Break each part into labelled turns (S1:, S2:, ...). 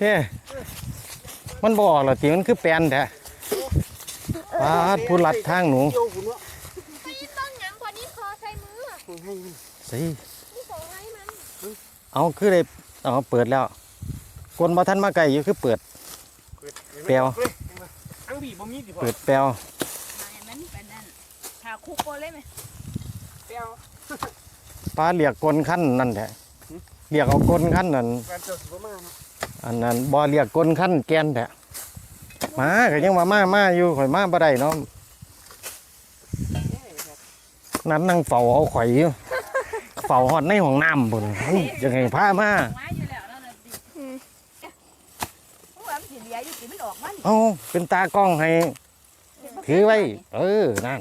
S1: เฮ้มันบอกเหรอตีมันคือแปลนแท้ปาดผู้ลัดทางหนูสิเอาคือเลยเอาเปิดแล้วคนมาท่านมาไกลอยู่คือเปิดแปลวเปิดแปลวปลาเรียกกลขั้นนั่นแท้เรียกเอากลขั้นนั่นอันนั้นบ่เรียกกลขั้นแกนแท้มาก็ยังมาอยู่ข่อยมาบ่ได้เนาะนั้นนั่งเฝ้าเอาข่อยอยู่เฝ้าฮอดในห้องน้ำพุ่นยังไงพามาเอาเป็นตากล้องให้ถือไว้นั่น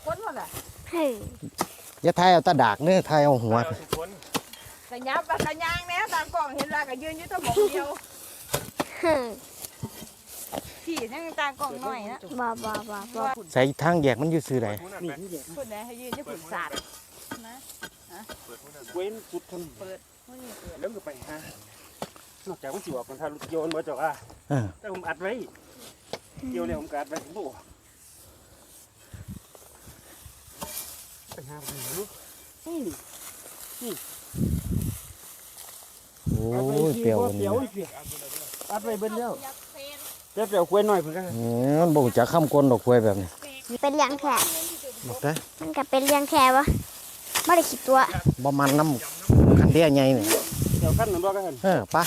S1: อย่าถ่ายเอาตาดากเนื้อถ่ายเอาหัว
S2: กระยับกระยางแล้วตากล้องเห็นละก็ยืนอยู่ตัวหมองเดียวพี่นั่งตากล้องหน่อยนะ
S3: บ่
S1: ใส่ทางแยกมันอยู่ซื่อใด
S2: คนไหนให้ยืนอยู่ผุดศาสตร์นะ
S4: เว้นจุดทำเปิดแล้วก็ไปฮะนอกจากมันสิบอกมันทาลุโยนมาจากแต่ผมอัดไว้เกี่ยวเลยผมอัดไว้ผมบอกไปหาผมนี่
S1: โอ้ยเปรี้ยวนี่
S4: อัดไว้เบิ้ลแล้วเปรี้ยวควยหน่อยเพื่อนกัน
S1: มันบ่จะข้ามก้นดอกควยแบบนี้
S3: เป็นเลี้ยงแค่
S1: บอกได้
S3: มันก็เป็นเลี้ยงแค่วะไม่ได้คิดตัว
S1: บ่มันน้ำคันเดียใหญ่เนี่ย
S4: เดี๋ยวขั้นหนึ่งรอกัน
S1: ปะ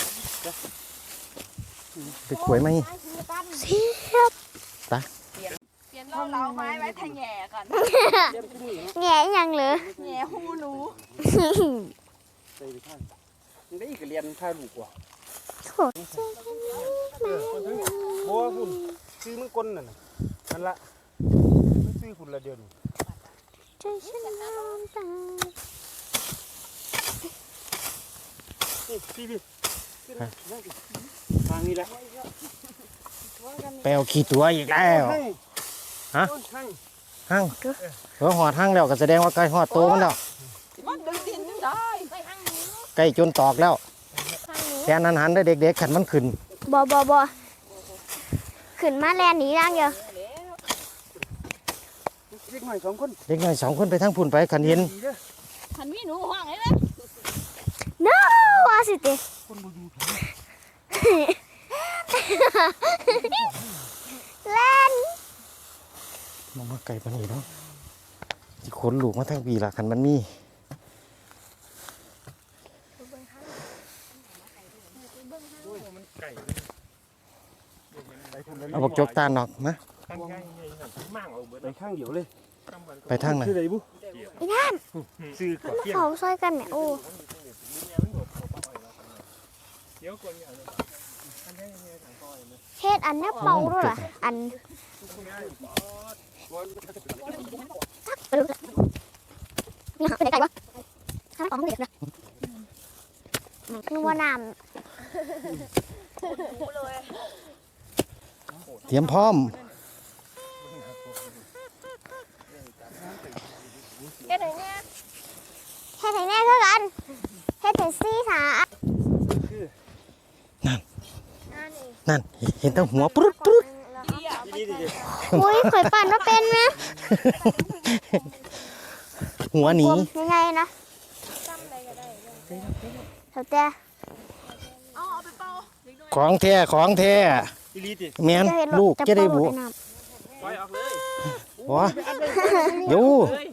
S1: ไปขวยไหม
S3: เสียบ
S1: ตา
S2: เปลี่ยนเราไม้ไว้ทางแง่ก่อน
S3: แง่ยังเหรอ
S2: แง่หูหนู
S4: ใส่ไปข้างได้อีกเรียนข้าวลูกว่า
S3: โถ
S4: บัวคุณซื้อมึงก้นน่ะนั่นละซื้อคุณละเดือน
S3: ใจฉันน้ำตา
S4: พี่ทางนี้แหละ
S1: แปลวขี้ตัวอีกแล้วฮะหั่งหอดหั่งแล้วก็แสดงว่าใกล้หอดโตมันแล้วใกล้จนตอกแล้วแค่นั้นหันได้เด็กๆขันมันขึ้น
S3: บ่ขึ้นมาแลนหนีร่างเยอะ
S4: เด็กหน่อย2
S1: คนไปทั้งพุ่นไปขันเห็น
S2: ขันมีหนูห้องเลยนะ
S3: น้าว่าสิเตเล่น
S1: มาไก่ปนีเนาะสิขนลูกมาทั้งปีละขันมันมีเอาบอกจกตาหนอกนะ
S4: ไปข้างเดียวเลย
S1: ไปทางไหน
S3: อีนั่นเขาซอยกันเนี่ยโอ้เฮ็ดอันนี้เป่าด้วยล่ะอันนี่เป็นไงวะข้างของเด็กนะนัวน้ำ
S1: เตรียมพร้อม
S3: เฮ็ดไหนแน่คือกันเฮ็ดถึง4 ขา
S1: นั่นเห็นตั้งหัวปุ๊บ
S3: อุ้ยเคยปั่นว่าเป็นไหม
S1: หัวหนี
S3: ยังไงนะเท่าแต่
S1: ของแท้แม่นลูกจะได้บุหัวอยู่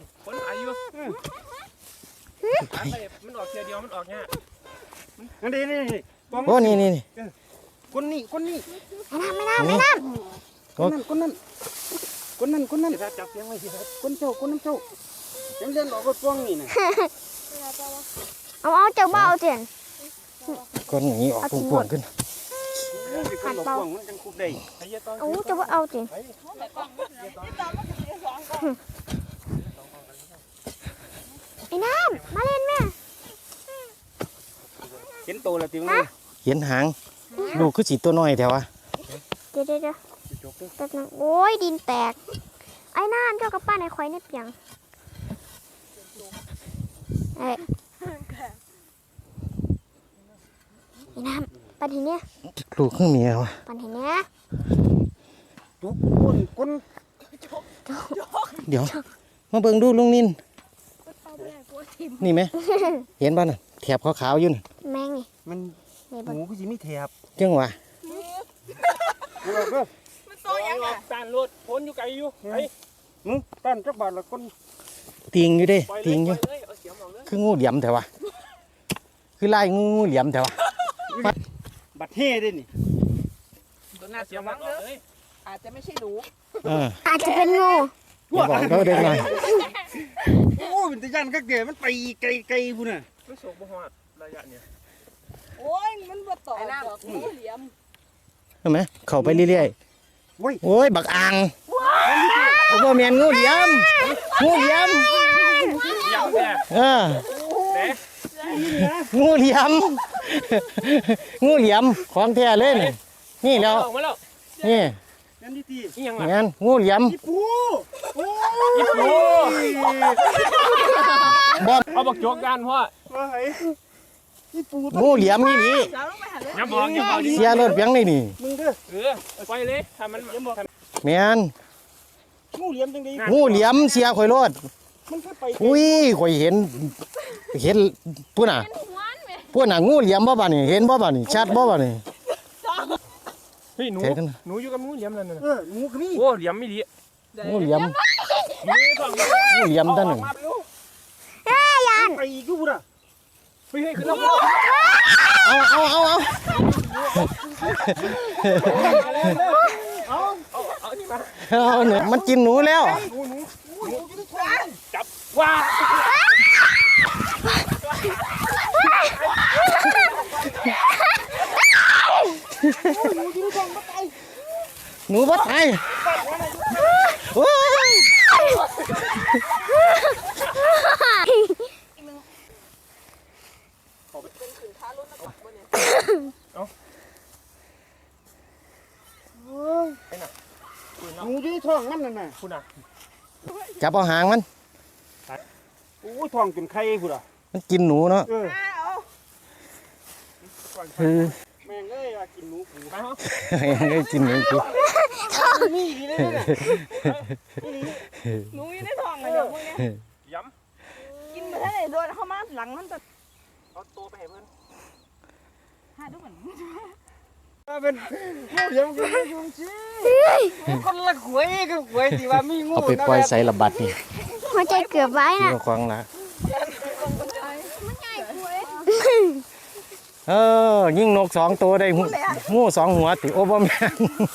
S4: มันออกเทียเดียวมันออกเนี่ยนี่
S1: โอ้นี่
S4: คนนี้
S3: ไม่น้ำ
S4: คนนั้นจับเสียงไว้สิคนเจ้ายังเล่นออกก็ฟ้องนี่นะ
S3: เอาเจ้าเบาเจียน
S1: คนอย่างนี้ออกพวงขึ้น
S4: ขัดเบามันจังคุกได้
S3: เอาเจ้าเอาเจียนไอ้น้ำมาเล่นแม่
S4: เห็นโตแล้วติ๋ว
S1: เห็นหางลูกคือสีตัวน้อยแถววะ
S3: เดี๋ยวแป๊บนึงโอ้ยดินแตกไอ้น้ำเจ้ากับป้าในควายในเปียงไอ้น้ำปันเห็นเนี่ย
S1: ลูกข้างเมียวะ
S3: ปันเห็นเนี่ย
S4: จุกก้นก้น
S1: เดี๋ยวมาเบิ่งดูลุงนิน
S2: เอาไปให้กูทิม
S1: นี่ไหม เห็นป่ะน่ะแถบขาวๆอยู่น่ะ
S3: แมงนี่
S4: มัน
S3: นี่
S4: ห
S3: บน
S4: มูก็สิมีแถบ
S1: จังหวะ
S2: มันโตยังอ่ะ
S5: ตานรถพ้นอยู่ไกลอยู่ไอ้
S4: มึงต้านจักบาทละก้น
S1: ติงอยู่เด้
S5: ปล่อยเล
S1: ติ
S5: ย
S1: งอ
S5: ปล่
S1: ยู่
S5: อยเลยเอาเสียมออกเลย
S1: คืองูเหลี่ยมแต่ว่าคือไล่งูเหลี่ยมแต่ว่า
S4: บัดเฮ่ได้นี่
S5: ตัวหน้าเสียมออกเลย
S2: อาจจะไม่ใช่หนู
S3: อาจจะเป็นงู
S1: อย่าบอกเขาเด็กหน่อย
S4: โอ้เป็นตะยันก็เก๋มันไปไกลๆพุ่นน่ะ
S5: ไม่โศกบ่ฮอดระยะเนี่ย
S2: โอ้ยมันบ่ต่อดอกงูเหลี่ยม
S1: เห็นไหมเข้าไปเรื่อย
S4: โอ้ย
S1: ๆโอ้ยบักอ่างโอ้โหแมนงูเหลี่ยมงูเหลี่ยม
S5: ยังแน่
S1: เออ
S5: แหน
S1: งูเหลี่ยมงูเหลี่ยมของแท้เลยนี่นี่แล้ว
S5: ออกมาแล้ว
S1: นี่
S4: นั่นนี่ที
S5: นี่ยังล่ะ
S1: แมนงูเหลี่ยม
S4: อีปูโอ้
S5: อีปู
S1: บอม
S5: เอาบักโจกกันพ่อ
S4: ว่าไงอีปู
S1: งูเหลี่ยมนี่นี่
S2: สาวลงไปหาเลย
S5: อย่าบอกอย่าบอก
S1: เสียรถเพียงนี่นี่
S4: มึงเด้อ
S5: ปล่อยเลยถ้ามัน
S1: แมน
S4: งูเหลี่ยมจังได๋
S1: งูเหลี่ยมเสียข่อยรถ
S4: มันก็ไป
S1: อุ้ยข่อยเห็นพูดน่ะพูดน่ะงูเหลี่ยมบ่บ่านี่เห็นบ่บ่านี่ชัดบ่บ่านี่
S5: เฮ้ยหนู
S1: เห็นกัน
S5: หนูอยู่กับหนูเหลี่ยมนั่นน่ะ
S4: งูก็มี
S5: โอ้เหลี่ยมไม่ดี
S1: งูเหลี่ยม
S5: หนูต้อง
S1: งูเหลี่ยมตัวหนึ่ง
S4: ไปอีกอยู่พุ่นน่ะ
S5: เฮ้ยขึ้นแล้ว
S1: เอา
S5: เอานี่มา
S1: เอาเนี่ยมันกินหนูแล้ว
S5: จับว้า
S1: หนูบ่ตายโอ้ย
S4: งูอยู่ในท้องมันนั่นน่ะ
S5: คุณน่ะ
S1: จับเอาหางมัน
S4: โอ้ยท้องจนไข่พุ่นน่ะ
S1: มันกินหนูเนาะ
S2: เอา
S1: คือ
S4: แม่งเอ้ยอยากกินหนูปู
S5: ไปฮะ
S1: ให้กินหนูกู
S4: มีดีเลยน่ะ
S2: หนูอยู่ในท้องเลยเดี๋ยวพวกเนี้ย
S5: ย้
S2: กินไปได้โดนเข้ามาหลังมันจะ
S5: ำเอาตัวไปให้เพื่อน
S2: หาดูเหมือน
S4: เป็นงูเหลี่ยมก็มีอยู่สิคนละหวยก็หวยที่ว่ามีงู
S1: เอาไปปล่อยใส่ระบัดนี่
S3: หัวใจเกือบไว้
S1: ที่
S3: น่ะ
S1: ว่าควางละยิงนก2 ตัวได้งู2 หัวติโอ้บ่แม่น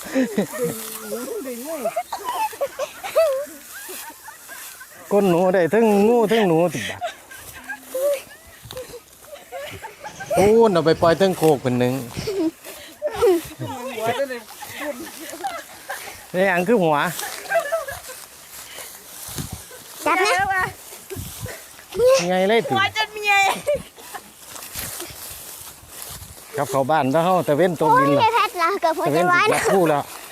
S1: ก้นหนูได้ทั้งงูทั้งหนูติบัดโอ้นเอาไปปล่อยทั้งโคกเป็นหนึ่งนี่อันคือหัว
S3: จับนะ
S2: แล้วว่ะ
S1: ไงเลยติ
S2: หัวจะเมีย
S1: กับเขาบ้านถ้าเฮาตะเว้นตก
S3: โอ้
S1: ดิ
S3: ย
S1: น
S3: ได้
S1: ล่ะ
S3: แพทย์ละเกือบหัว
S1: ตะ
S3: ใจ
S1: เว้น
S3: ไว้
S1: ติด
S3: นะ
S1: คู่แล้ว